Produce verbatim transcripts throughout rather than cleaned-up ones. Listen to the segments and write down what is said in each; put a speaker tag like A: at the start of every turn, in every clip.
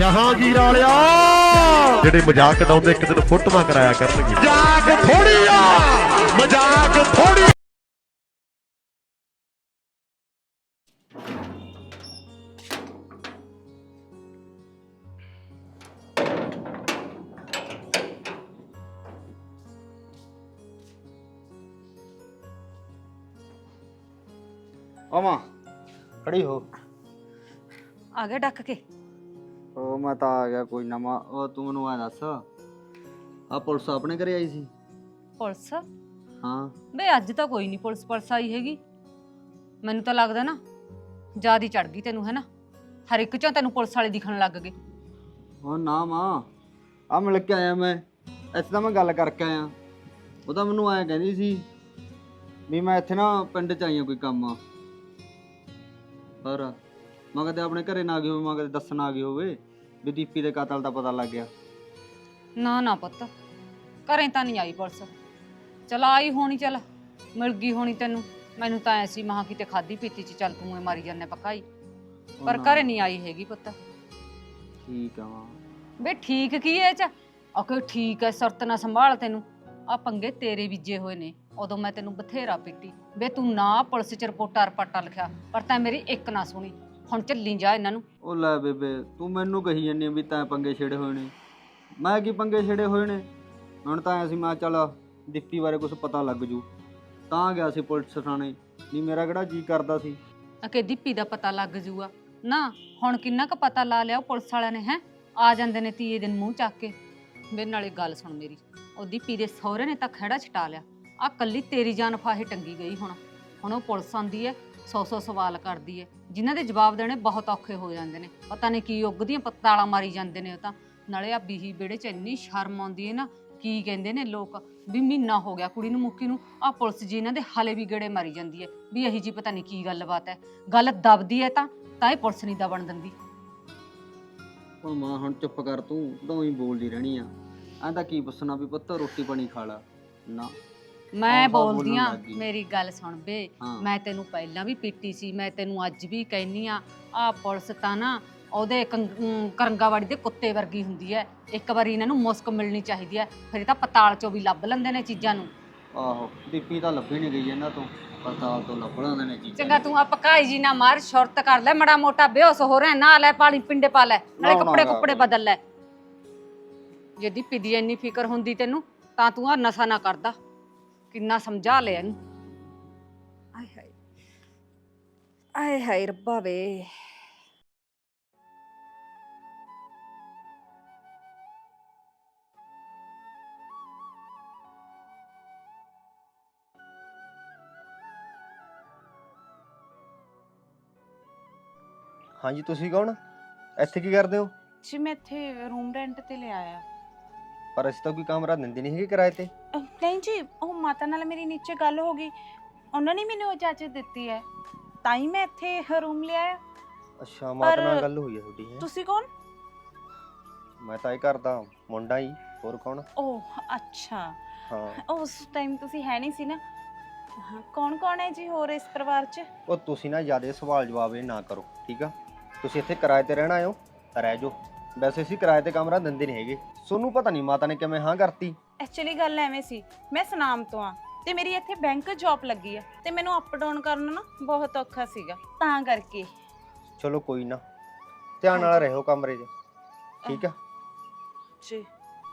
A: ਜਹਾਂਗੀਰ ਵਾਲਿਆ ਜਿਹੜੇ ਮਜ਼ਾਕ ਉਡਾਉਂਦੇ ਇੱਕ ਦਿਨ ਫੋਟੋਆਂ ਕਰਾਇਆ ਕਰਨਗੇ। ਮਜ਼ਾਕ ਥੋੜੀ ਆ, ਮਜ਼ਾਕ ਥੋੜੀ।
B: ਆਵਾਂ ਖੜੀ ਹੋ।
C: ਆ ਗਿਆ ਡੱਕ ਕੇ।
B: ਉਹ ਮੈਂ ਤਾਂ ਆ ਗਿਆ ਕੋਈ ਨਵਾਂ। ਉਹ ਤੂੰ ਮੈਨੂੰ ਆ ਦੱਸ, ਆ ਪੁਲਿਸ ਆਪਣੇ ਘਰੇ ਆਈ ਸੀ?
C: ਪੁਲਿਸ?
B: ਹਾਂ
C: ਬੇ ਅੱਜ ਤਾਂ ਕੋਈ ਨਹੀਂ ਪੁਲਿਸ ਪੁਲਿਸ ਆਈ ਹੈਗੀ। ਮੈਨੂੰ ਤਾਂ ਲੱਗਦਾ ਨਾ ਜਿਆਦੀ ਚੜ ਗਈ ਤੈਨੂੰ, ਹੈ ਨਾ? ਹਰ ਇੱਕ ਚੋਂ ਤੈਨੂੰ ਪੁਲਿਸ ਵਾਲੇ ਦਿਖਣ ਲੱਗ ਗਏ।
B: ਉਹ ਨਾ ਮਾਂ, ਆ ਮਿਲ ਕੇ ਆਇਆ ਮੈਂ। ਇੱਥੇ ਤਾਂ ਮੈਂ ਗੱਲ ਕਰਕੇ ਆਇਆ। ਉਹ ਤਾਂ ਮੈਨੂੰ ਐਂ ਕਹਿੰਦੀ ਸੀ ਵੀ ਮੈਂ ਇੱਥੇ ਨਾ ਪਿੰਡ 'ਚ ਆਈ ਹਾਂ ਕੋਈ ਕੰਮ। ਪਰ ਮੈਂ ਕਦੇ ਆਪਣੇ ਘਰੇ ਨਾ ਆ ਗਈ ਹੋਵੇ, ਮੈਂ ਕਦੇ ਦੱਸਣ ਆ ਗਈ ਹੋਵੇ ਵੀ ਦੀਪੀ ਦੇ ਕਤਲ ਦਾ ਪਤਾ ਲੱਗ ਗਿਆ।
C: ਨਾ ਨਾ ਪੁੱਤ, ਘਰੇ ਤਾਂ ਨਹੀਂ ਆਈ ਪੁਲਿਸ। ਚਲ ਆਈ ਹੋਣੀ, ਚੱਲ ਮਿਲ ਗਈ ਹੋਣੀ ਤੈਨੂੰ। ਮੈਨੂੰ ਤਾਂ ਐਸੀ ਮਹਾ ਕਿਤੇ ਖਾਦੀ ਪੀਤੀ ਚ ਚੱਲ ਤੂੰ ਮਾਰੀ ਜਾਂਦੇ ਪਕਾਈ, ਪਰ ਘਰੇ ਨਹੀਂ ਆਈ ਹੈਗੀ ਪੁੱਤ।
B: ਠੀਕ ਆ ਮਾਂ।
C: ਬੇ ਠੀਕ ਕੀ ਐ ਚ? ਆਖੇ ਠੀਕ ਐ, ਸੁਰਤ ਨਾ ਸੰਭਾਲ। ਤੈਨੂੰ ਆ ਪੰਗੇ ਤੇਰੇ ਬੀਜੇ ਹੋਏ ਨੇ। ਉਦੋਂ ਮੈਂ ਤੈਨੂੰ ਬਥੇਰਾ ਪਿੱਟੀ ਬੇ, ਤੂੰ ਨਾ ਪੁਲਿਸ ਚ ਰਿਪੋਰਟਾਂ ਰਪਾਟਾ ਲਿਖਿਆ, ਪਰ ਤੈਂ ਮੇਰੀ ਇੱਕ ਨਾ ਸੁਣੀ। ਹੁਣ ਚੱਲੀ ਜਾ ਇਹਨਾਂ ਨੂੰ।
B: ਉਹ ਲੈ ਬੇਬੇ, ਤੂੰ ਮੈਨੂੰ ਕਹੀ ਜਾਂਦੀ ਵੀ ਤੈਂ ਪੰਗੇ ਛੇੜੇ ਹੋਏ ਨੇ। ਮੈਂ ਕੀ ਪੰਗੇ ਛੇੜੇ ਹੋਏ ਨੇ? ਹੁਣ ਤਾਂ ਐ ਸੀ ਮੈਂ ਚੱਲ ਦੀਪੀ ਬਾਰੇ ਕੁਝ ਪਤਾ ਲੱਗ ਜੂ ਤਾਂ ਗਿਆ ਸੀ ਪੁਲਿਸ ਥਾਣੇ। ਨਹੀਂ ਮੇਰਾ ਕਿਹੜਾ ਜੀ ਕਰਦਾ ਸੀ
C: ਅਕੇ ਦੀਪੀ ਦਾ ਪਤਾ ਲੱਗ ਜੂਗਾ ਨਾ। ਹੁਣ ਕਿੰਨਾ ਕੁ ਪਤਾ ਲਾ ਲਿਆ ਉਹ ਪੁਲਿਸ ਵਾਲਿਆਂ ਨੇ। ਹੈ ਆ ਜਾਂਦੇ ਨੇ ਤੀਏ ਦਿਨ ਮੂੰਹ ਚੱਕ ਕੇ। ਮੇਰੇ ਨਾਲੇ ਗੱਲ ਸੁਣ ਮੇਰੀ, ਉਹ ਦੀਪੀ ਦੇ ਸਹੁਰੇ ਨੇ ਤਾਂ ਖਹਿੜਾ ਛਟਾ ਲਿਆ। ਆ ਕੱਲੀ ਤੇਰੀ ਜਾਨ ਫਾਹੇ ਟੰਗੀ ਗਈ। ਹੁਣ ਹੁਣ ਉਹ ਪੁਲਿਸ ਆਂਦੀ ਹੈ, ਸੌ ਸੌ ਸਵਾਲ ਕਰਦੀ ਹੈ, ਜਿਨ੍ਹਾਂ ਦੇ ਜਵਾਬ ਦੇਣੇ ਬਹੁਤ ਔਖੇ ਹੋ ਜਾਂਦੇ ਨੇ। ਪਤਾ ਨਹੀਂ ਕੀ ਉੱਗਦੀਆਂ ਪਤਾਲਾਂ ਮਾਰੀ ਜਾਂਦੇ ਨੇ ਉਹ ਤਾਂ। ਨਾਲੇ ਆ ਬੀਹੀ ਵਿਹੜੇ 'ਚ ਇੰਨੀ ਸ਼ਰਮ ਆਉਂਦੀ ਹੈ ਨਾ। ਕੀ ਕਹਿੰਦੇ ਨੇ ਲੋਕ ਵੀ ਮਹੀਨਾ ਹੋ ਗਿਆ ਕੁੜੀ ਨੂੰ ਮੁੱਕੀ ਨੂੰ, ਆ ਪੁਲਿਸ ਜੀ ਇਹਨਾਂ ਦੇ ਹਾਲੇ ਵੀ ਗੇੜੇ ਮਾਰੀ ਜਾਂਦੀ ਹੈ ਵੀ ਇਹੀ ਜੀ ਪਤਾ ਨਹੀਂ ਕੀ ਗੱਲਬਾਤ ਹੈ। ਗੱਲ ਦਬਦੀ ਹੈ ਤਾਂ ਤਾਂ ਇਹ ਪੁਲਿਸ ਨਹੀਂ ਦਬਣ ਦਿੰਦੀ।
B: ਉਹ ਮਾਂ ਹੁਣ ਚੁੱਪ ਕਰ, ਤੂੰ ਤਾਂ ਹੀ ਬੋਲਦੀ ਰਹਿਣੀ ਆ। ਐਂ ਤਾਂ ਕੀ ਪੁੱਛਣਾ ਵੀ ਪੁੱਤ ਰੋਟੀ ਪਾਣੀ ਖਾ ਲਾ। ਨਾ
C: ਮੈਂ ਬੋਲਦੀ ਆ, ਮੇਰੀ ਗੱਲ ਸੁਣ ਬੇ।
B: ਹਾਂ।
C: ਮੈਂ ਤੈਨੂੰ ਪਹਿਲਾਂ ਵੀ ਪੀਟੀ ਸੀ, ਮੈਂ ਤੈਨੂੰ ਅੱਜ ਵੀ ਕਹਿਨੀ ਆ, ਆ ਪੁਲਿਸ ਤਾਂ ਨਾ ਉਹਦੇ ਕਰੰਗਾਵਾੜੀ ਦੇ ਕੁੱਤੇ ਵਰਗੀ ਹੁੰਦੀ ਹੈ। ਇੱਕ ਵਾਰੀ ਇਹਨਾਂ ਨੂੰ ਮੁਸਕ ਮਿਲਣੀ ਚਾਹੀਦੀ ਹੈ, ਫਿਰ ਇਹ ਤਾਂ ਪਤਾਲ ਚੋਂ ਵੀ ਲੱਭ ਲੈਂਦੇ ਨੇ ਚੀਜ਼ਾਂ ਨੂੰ।
B: ਆਹੋ ਦੀਪੀ ਤਾਂ ਲੱਭੀ ਨਹੀਂ ਗਈ ਇਹਨਾਂ ਤੋਂ, ਪਤਾਲ ਤੋਂ ਲੱਭ ਲੈਂਦੇ ਨੇ ਚੀਜ਼ਾਂ।
C: ਚੰਗਾ ਤੂੰ ਆ ਪਕਾਈ ਜੀ ਨਾ ਮਾਰ, ਸ਼ੁਰਤ ਕਰ ਲੈ। ਮੜਾ ਮੋਟਾ ਬੇਹੋਸ ਹੋ ਰਿਹਾ ਨਾ, ਲੈ ਪਾਣੀ ਪਿੰਡੇ ਪਾ ਲੈ, ਨਾਲੇ ਕੱਪੜੇ ਕੁੱਪੜੇ ਬਦਲ ਲੈ। ਜੇ ਦੀਪੀ ਦੀ ਇੰਨੀ ਫਿਕਰ ਹੁੰਦੀ ਤੈਨੂੰ ਤਾਂ ਤੂੰ ਆ ਨਸ਼ਾ ਨਾ ਕਰਦਾ। ਕਿੰਨਾ ਸਮਝਾ ਲਿਆ ਇਹਨੂੰ। ਆਏ ਹਾਏ ਆਏ ਹਾਏ ਰੱਬਾ ਵੇ।
B: ਹਾਂਜੀ ਤੁਸੀਂ ਕੌਣ? ਇੱਥੇ ਕੀ ਕਰਦੇ ਹੋ?
D: ਜੀ ਮੈਂ ਇੱਥੇ ਰੂਮ ਰੈਂਟ ਤੇ ਲਿਆ ਆ।
B: ਪਰ ਅਸੀਂ ਤਾਂ ਕੋਈ ਕਮਰਾ ਦਿੰਦੇ ਨਹੀਂ ਹੈਗੇ ਕਿਰਾਏ ਤੇ।
D: ਅਹ ਨਹੀਂ ਜੀ, ਉਹ ਮਾਤਾ ਨਾਲ ਮੇਰੀ ਨੀਚੇ ਗੱਲ ਹੋ ਗਈ, ਉਹਨਾਂ ਨੇ ਮੈਨੂੰ ਇਜਾਜ਼ਤ ਦਿੱਤੀ ਹੈ ਤਾਂ ਹੀ ਮੈਂ ਇੱਥੇ ਰੂਮ ਲਿਆ ਆ।
B: ਅੱਛਾ ਮਾਤਾ ਨਾਲ
D: ਪਰ
B: ਗੱਲ ਹੋਈ ਹੈ ਤੁਹਾਡੀ? ਹੈ
D: ਤੁਸੀਂ ਕੌਣ?
B: ਮੈਂ ਤਾਂ ਇਹ ਕਰਦਾ ਮੁੰਡਾ ਹੀ, ਹੋਰ ਕੌਣ?
D: ਓਹ ਅੱਛਾ,
B: ਹਾਂ
D: ਉਸ ਟਾਈਮ ਤੁਸੀਂ ਹੈ ਨਹੀਂ ਸੀ ਨਾ। ਹਾਂ, ਕੌਣ ਕੌਣ ਹੈ ਜੀ ਹੋਰ ਇਸ ਪਰਿਵਾਰ 'ਚ?
B: ਉਹ ਤੁਸੀਂ ਨਾ ਜ਼ਿਆਦਾ ਸਵਾਲ ਜਵਾਬ ਇਹ ਨਾ ਕਰੋ, ਠੀਕ ਆ? ਤੁਸੀਂ ਇੱਥੇ ਕਿਰਾਏ ਤੇ ਰਹਿਣਾ ਆਇਓ, ਰਹਿ ਜਾਓ। ਵੈਸੇ ਅਸੀਂ ਕਿਰਾਏ ਤੇ ਕਮਰਾ ਦਿੰਦੇ ਨਹੀਂ ਹੈਗੇ। ਤੁਹਾਨੂੰ ਪਤਾ ਨਹੀਂ ਮਾਤਾ ਨੇ ਕਿਵੇਂ ਹਾਂ ਕਰਤੀ।
D: ਐਕਚੁਅਲੀ ਗੱਲ ਐਵੇਂ ਸੀ, ਮੈਂ ਸੁਨਾਮ ਤੋਂ ਆ ਤੇ ਮੇਰੀ ਇੱਥੇ ਬੈਂਕ ਜੌਬ ਲੱਗੀ ਆ ਤੇ ਮੈਨੂੰ ਅਪ ਡਾਊਨ ਕਰਨਾ ਨਾ ਬਹੁਤ ਔਖਾ ਸੀਗਾ, ਤਾਂ ਕਰਕੇ।
B: ਚਲੋ ਕੋਈ ਨਾ, ਧਿਆਨ ਨਾਲ ਰਹੋ ਕਮਰੇ 'ਚ, ਠੀਕ ਆ?
D: ਜੀ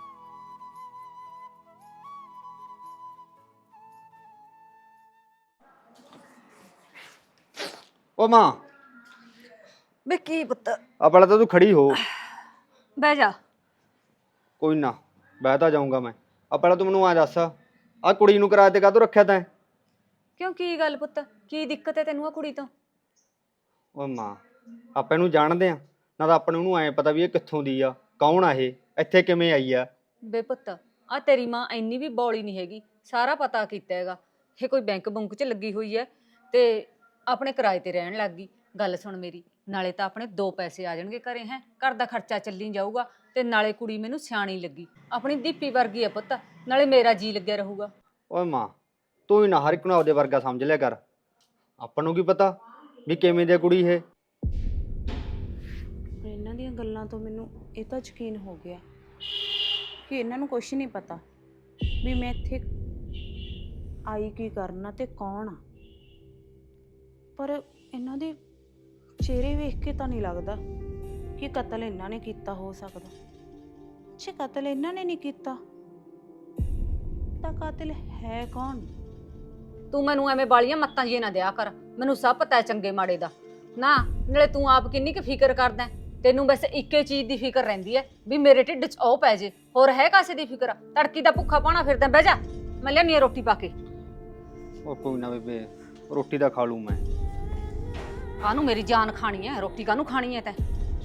B: ਉਹ ਮਾਂ
C: ਬੇ ਕੀ ਪੁੱਤ?
B: ਆ ਪਹਿਲਾਂ ਤਾਂ ਤੂੰ ਖੜੀ ਹੋ।
C: ਬਹਿ ਜਾ।
B: ਕੋਈ ਨਾ ਬਹਿ ਤਾਂ ਜਾਊਂਗਾ ਮੈਂ। ਆ ਪਹਿਲਾਂ ਤੂੰ ਮੈਨੂੰ ਆ ਦੱਸ, ਆ ਕੁੜੀ ਨੂੰ ਕਿਰਾਏ ਤੇ ਕਾਹਤੋਂ ਰੱਖਿਆ ਤੈਂ?
C: ਕਿਉਂ ਕੀ ਗੱਲ ਪੁੱਤ, ਕੀ ਦਿੱਕਤ ਹੈ ਤੈਨੂੰ ਆ ਕੁੜੀ ਤੋਂ?
B: ਉਹ ਮਾਂ ਆਪਾਂ ਇਹਨੂੰ ਜਾਣਦੇ ਆ ਨਾ, ਤਾਂ ਆਪਾਂ ਨੂੰ ਉਹਨੂੰ ਐਂ ਪਤਾ ਵੀ ਇਹ ਕਿੱਥੋਂ ਦੀ ਆ, ਕੌਣ ਆ ਇਹ, ਇੱਥੇ ਕਿਵੇਂ ਆਈ ਆ?
C: ਬੇ ਪੁੱਤ ਆ ਤੇਰੀ ਮਾਂ ਇੰਨੀ ਵੀ ਬੌਲੀ ਨਹੀਂ ਹੈਗੀ, ਸਾਰਾ ਪਤਾ ਕੀਤਾ ਹੈਗਾ। ਇਹ ਕੋਈ ਬੈਂਕ ਬੁੰਕ 'ਚ ਲੱਗੀ ਹੋਈ ਹੈ ਤੇ ਆਪਣੇ ਕਿਰਾਏ ਤੇ ਰਹਿਣ ਲੱਗ ਗਈ। ਗੱਲ ਸੁਣ ਮੇਰੀ, ਨਾਲੇ ਤਾਂ ਆਪਣੇ ਦੋ ਪੈਸੇ ਆ ਜਾਣਗੇ ਘਰੇ। ਹੈ ਘਰ ਦਾ ਖਰਚਾ ਚੱਲੀ ਜਾਊਗਾ ਤੇ ਨਾਲੇ ਕੁੜੀ ਮੈਨੂੰ ਸਿਆਣੀ ਲੱਗੀ, ਆਪਣੀ ਦੀਪੀ ਵਰਗੀ ਹੈ ਪੁੱਤ, ਨਾਲੇ ਮੇਰਾ ਜੀ ਲੱਗਿਆ ਰਹੂਗਾ।
B: ਓਏ ਮਾਂ ਤੂੰ ਹੀ ਨਾ ਹਰ ਇੱਕ ਨੂੰ ਆਪਦੇ ਵਰਗਾ ਸਮਝ ਲਿਆ ਕਰ। ਆਪਾਂ ਨੂੰ ਕੀ ਪਤਾ ਵੀ ਕਿਵੇਂ ਦੀ ਕੁੜੀ ਇਹ।
D: ਇਹਨਾਂ ਦੀਆਂ ਗੱਲਾਂ ਗੱਲਾਂ ਤੋਂ ਮੈਨੂੰ ਇਹ ਤਾਂ ਯਕੀਨ ਹੋ ਗਿਆ ਕਿ ਇਹਨਾਂ ਨੂੰ ਕੁਝ ਨਹੀਂ ਪਤਾ ਵੀ ਮੈਂ ਇੱਥੇ ਆਈ ਕੀ ਕਰਨਾ ਤੇ ਕੌਣ ਆ। ਪਰ ਇਹਨਾਂ ਦੇ ਚਿਹਰੇ ਵੇਖ ਕੇ ਤਾਂ ਨਹੀਂ ਲੱਗਦਾ ਕਿ ਕਤਲ ਇਹਨਾਂ ਨੇ ਕੀਤਾ ਹੋ ਸਕਦਾ। ਜੇ ਕਤਲ ਇਹਨਾਂ ਨੇ ਨਹੀਂ ਕੀਤਾ ਤਾਂ ਕਾਤਿਲ ਹੈ ਕੌਣ?
C: ਤੂੰ ਮੈਨੂੰ ਐਵੇਂ ਬਾਲੀਆਂ ਮੱਤਾਂ ਜੀ ਨਾ ਦਿਆ ਕਰ, ਮੈਨੂੰ ਸਭ ਪਤਾ ਹੈ ਚੰਗੇ ਮਾੜੇ ਦਾ। ਨਾ ਨਾਲੇ ਤੂੰ ਆਪ ਕਿੰਨੀ ਕੁ ਫਿਕਰ ਕਰਦਾ, ਤੈਨੂੰ ਬਸ ਇੱਕੇ ਚੀਜ਼ ਦੀ ਫਿਕਰ ਰਹਿੰਦੀ ਹੈ ਵੀ ਮੇਰੇ ਢਿੱਡ 'ਚ ਉਹ ਪੈ ਜੇ, ਹੋਰ ਹੈ ਕਾਸੇ ਦੀ ਫਿਕਰ? ਤੜਕੀ ਦਾ ਭੁੱਖਾ ਪਾਣਾ ਫਿਰਦਾ, ਬਹਿ ਜਾ ਮੈਂ ਲਿਆਉਣੀ ਆ ਰੋਟੀ ਪਾ ਕੇ।
B: ਉਹ ਕੋਈ ਨਾ ਬੇਬੇ, ਰੋਟੀ ਦਾ ਖਾ ਲੂ ਮੈਂ।
C: ਕਾਹਨੂੰ ਮੇਰੀ ਜਾਨ ਖਾਣੀ ਹੈ, ਰੋਟੀ ਕਾਹਨੂੰ ਖਾਣੀ ਹੈ ਤੈਂ?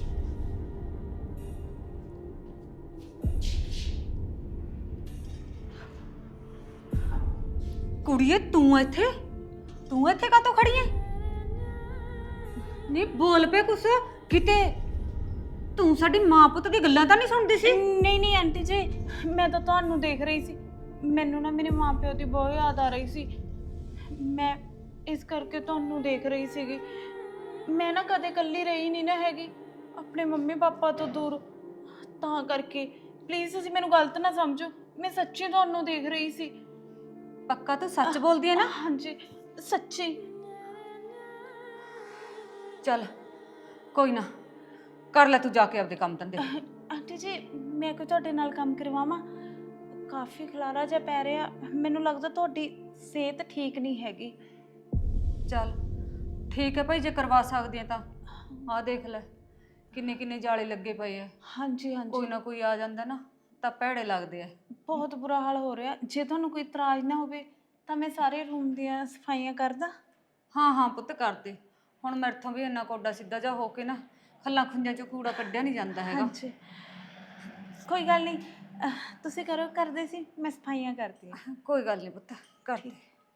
C: ਕੁੜੀਏ ਤੂੰ ਇੱਥੇ ਤੂੰ ਇੱਥੇ ਕਾਹਤੋਂ ਖੜੀ ਐ? ਨਹੀਂ ਬੋਲ ਪੇ ਕੁਛ ਕਿਤੇ। ਤੂੰ ਸਾਡੀ ਮਾਂ ਪੁੱਤ ਦੀ ਗੱਲਾਂ ਤਾਂ ਨਹੀਂ ਸੁਣਦੀ ਸੀ?
D: ਨਹੀਂ ਨਹੀਂ ਆਂਟੀ ਜੀ, ਮੈਂ ਤਾਂ ਤੁਹਾਨੂੰ ਦੇਖ ਰਹੀ ਸੀ। ਮੈਨੂੰ ਨਾ ਮੇਰੇ ਮਾਂ ਪਿਓ ਦੀ ਬਹੁਤ ਯਾਦ ਆ ਰਹੀ ਸੀ, ਮੈਂ ਇਸ ਕਰਕੇ ਤੁਹਾਨੂੰ ਦੇਖ ਰਹੀ ਸੀਗੀ। ਮੈਂ ਨਾ ਕਦੇ ਇਕੱਲੀ ਰਹੀ ਨਹੀਂ ਨਾ ਹੈਗੀ ਆਪਣੇ ਮੰਮੀ ਪਾਪਾ ਤੋਂ ਦੂਰ, ਤਾਂ ਕਰਕੇ ਪਲੀਜ਼ ਤੁਸੀਂ ਮੈਨੂੰ ਗਲਤ ਨਾ ਸਮਝੋ, ਮੈਂ ਸੱਚੀ ਤੁਹਾਨੂੰ ਦੇਖ ਰਹੀ ਸੀ।
C: ਪੱਕਾ ਤੂੰ ਸੱਚ ਬੋਲਦੀ ਹੈ ਨਾ?
D: ਹਾਂਜੀ ਸੱਚੀ।
C: ਚੱਲ ਕੋਈ ਨਾ, ਕਰ ਲੈ ਤੂੰ ਜਾ ਕੇ ਆਪਦੇ ਕੰਮ ਧੰਦੇ।
D: ਆਂਟੀ ਜੀ ਮੈਂ ਕੋਈ ਤੁਹਾਡੇ ਨਾਲ ਕੰਮ ਕਰਵਾਵਾਂ? ਕਾਫੀ ਖਲਾਰਾ ਜਿਹਾ ਪੈ ਰਿਹਾ, ਮੈਨੂੰ ਲੱਗਦਾ ਤੁਹਾਡੀ ਸਿਹਤ ਠੀਕ ਨਹੀਂ ਹੈਗੀ।
C: ਚੱਲ ਠੀਕ ਹੈ ਭਾਈ, ਜੇ ਕਰਵਾ ਸਕਦੀ ਹੈ ਤਾਂ ਆਹ ਦੇਖ ਲੈ ਕਿੰਨੇ ਕਿੰਨੇ ਜਾਲੇ ਲੱਗੇ ਪਏ ਆ।
D: ਹਾਂਜੀ ਹਾਂਜੀ,
C: ਕੋਈ ਨਾ ਕੋਈ ਆ ਜਾਂਦਾ ਨਾ ਤਾਂ ਭੈੜੇ ਲੱਗਦੇ ਆ।
D: ਬਹੁਤ ਬੁਰਾ ਹਾਲ ਹੋ ਰਿਹਾ। ਜੇ ਤੁਹਾਨੂੰ ਕੋਈ ਇਤਰਾਜ਼ ਨਾ ਹੋਵੇ ਤਾਂ ਮੈਂ ਸਾਰੇ ਰੂਮ ਦੀਆਂ ਸਫਾਈਆਂ ਕਰਦਾ।
C: ਹਾਂ ਹਾਂ ਪੁੱਤ ਕਰਦੇ। ਹੁਣ ਮੇਰੇ ਤੋਂ ਵੀ ਇੰਨਾ ਕੋਡਾ ਸਿੱਧਾ ਜਾ ਹੋ ਕੇ ਨਾ ਖੱਲਾਂ ਖੁੰਝਾਂ ਚੋਂ ਕੂੜਾ ਕੱਢਿਆ ਨਹੀਂ ਜਾਂਦਾ ਹੈਗਾ।
D: ਹਾਂਜੀ ਕੋਈ ਗੱਲ ਨਹੀਂ, ਤੁਸੀਂ ਕਰੋ, ਕਰਦੇ ਸੀ ਮੈਂ ਸਫਾਈਆਂ ਕਰਦੀ ਹਾਂ।
C: ਕੋਈ ਗੱਲ ਨਹੀਂ ਪੁੱਤ ਕਰਦੇ।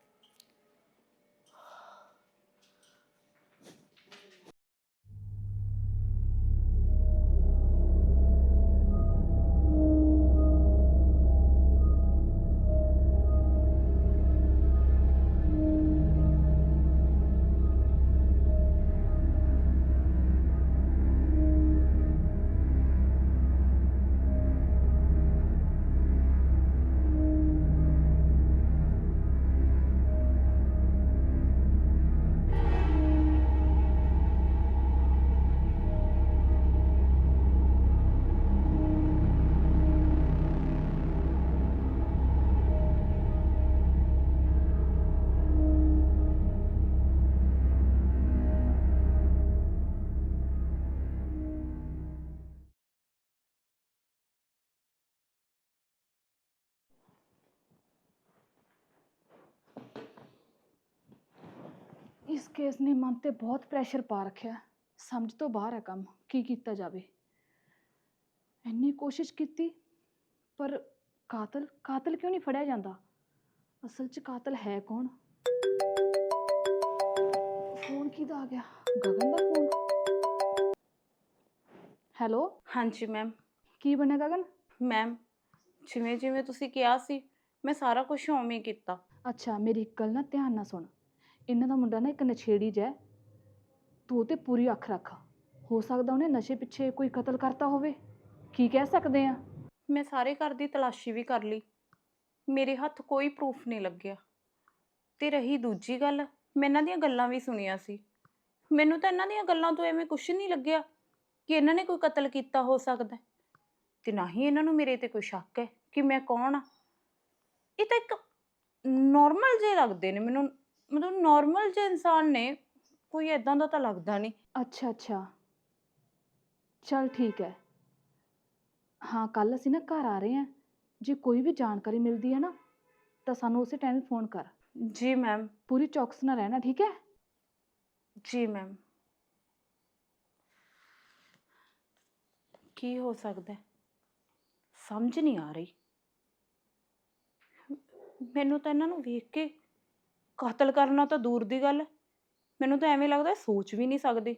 E: ਇਸ ਕੇਸ ਨੇ ਮਨ ਤੇ ਬਹੁਤ ਪ੍ਰੈਸ਼ਰ ਪਾ ਰੱਖਿਆ, ਸਮਝ ਤੋਂ ਬਾਹਰ ਹੈ ਕੰਮ। ਕੀ ਕੀਤਾ ਜਾਵੇ? ਇੰਨੀ ਕੋਸ਼ਿਸ਼ ਕੀਤੀ ਪਰ ਕਾਤਲ ਕਾਤਲ ਕਿਉਂ ਨਹੀਂ ਫੜਿਆ ਜਾਂਦਾ? ਅਸਲ 'ਚ ਕਾਤਲ ਹੈ ਕੌਣ? ਫੋਨ ਕਿਹਦਾ ਆ ਗਿਆ? ਗਗਨ ਦਾ ਫੋਨ। ਹੈਲੋ
D: ਹਾਂਜੀ ਮੈਮ।
E: ਕੀ ਬਣਿਆ ਗਗਨ?
D: ਮੈਮ ਜਿਵੇਂ ਜਿਵੇਂ ਤੁਸੀਂ ਕਿਹਾ ਸੀ ਮੈਂ ਸਾਰਾ ਕੁਝ ਉਵੇਂ ਹੀ ਕੀਤਾ।
E: ਅੱਛਾ ਮੇਰੀ ਇੱਕ ਗੱਲ ਨਾ ਧਿਆਨ ਨਾਲ ਸੁਣ, ਇਹਨਾਂ ਦਾ ਮੁੰਡਾ ਨਾ ਇੱਕ ਨਸ਼ੇੜੀ ਜਿਹਾ, ਤੂੰ ਉਹ 'ਤੇ ਪੂਰੀ ਅੱਖ ਰੱਖ। ਹੋ ਸਕਦਾ ਉਹਨੇ ਨਸ਼ੇ ਪਿੱਛੇ ਕੋਈ ਕਤਲ ਕਰਤਾ ਹੋਵੇ, ਕੀ ਕਹਿ ਸਕਦੇ ਆ।
D: ਮੈਂ ਸਾਰੇ ਘਰ ਦੀ ਤਲਾਸ਼ੀ ਵੀ ਕਰ ਲਈ, ਮੇਰੇ ਹੱਥ ਕੋਈ ਪ੍ਰੂਫ ਨਹੀਂ ਲੱਗਿਆ। ਤੇ ਰਹੀ ਦੂਜੀ ਗੱਲ, ਮੈਂ ਇਹਨਾਂ ਦੀਆਂ ਗੱਲਾਂ ਵੀ ਸੁਣੀਆਂ ਸੀ, ਮੈਨੂੰ ਤਾਂ ਇਹਨਾਂ ਦੀਆਂ ਗੱਲਾਂ ਤੋਂ ਐਵੇਂ ਕੁਝ ਨਹੀਂ ਲੱਗਿਆ ਕਿ ਇਹਨਾਂ ਨੇ ਕੋਈ ਕਤਲ ਕੀਤਾ ਹੋ ਸਕਦਾ, ਤੇ ਨਾ ਹੀ ਇਹਨਾਂ ਨੂੰ ਮੇਰੇ ਤੇ ਕੋਈ ਸ਼ੱਕ ਹੈ ਕਿ ਮੈਂ ਕੌਣ ਆ। ਇਹ ਤਾਂ ਇੱਕ ਨੋਰਮਲ ਜਿਹੇ ਲੱਗਦੇ ਨੇ ਮੈਨੂੰ, ਮਤਲਬ ਨੋਰਮਲ ਜਿਹੇ ਇਨਸਾਨ ਨੇ, ਕੋਈ ਐਦਾਂ ਦਾ ਤਾਂ ਲੱਗਦਾ ਨਹੀਂ।
E: ਅੱਛਾ ਅੱਛਾ ਚੱਲ ਠੀਕ ਹੈ। ਹਾਂ ਕੱਲ ਅਸੀਂ ਨਾ ਘਰ ਆ ਰਹੇ ਹਾਂ, ਜੇ ਕੋਈ ਵੀ ਜਾਣਕਾਰੀ ਮਿਲਦੀ ਹੈ ਨਾ ਤਾਂ ਸਾਨੂੰ ਉਸੇ ਟਾਈਮ ਫੋਨ ਕਰ।
D: ਜੀ ਮੈਮ।
E: ਪੂਰੀ ਚੌਕਸ ਨਾਲ ਰਹਿਣਾ, ਠੀਕ ਹੈ?
D: ਜੀ ਮੈਮ। ਕੀ ਹੋ ਸਕਦਾ ਸਮਝ ਨਹੀਂ ਆ ਰਹੀ ਮੈਨੂੰ ਤਾਂ। ਇਹਨਾਂ ਨੂੰ ਵੇਖ ਕੇ ਕਤਲ ਕਰਨਾ ਤਾਂ ਦੂਰ ਦੀ ਗੱਲ, ਮੈਨੂੰ ਤਾਂ ਐਵੇਂ ਲੱਗਦਾ ਸੋਚ ਵੀ ਨਹੀਂ ਸਕਦੇ।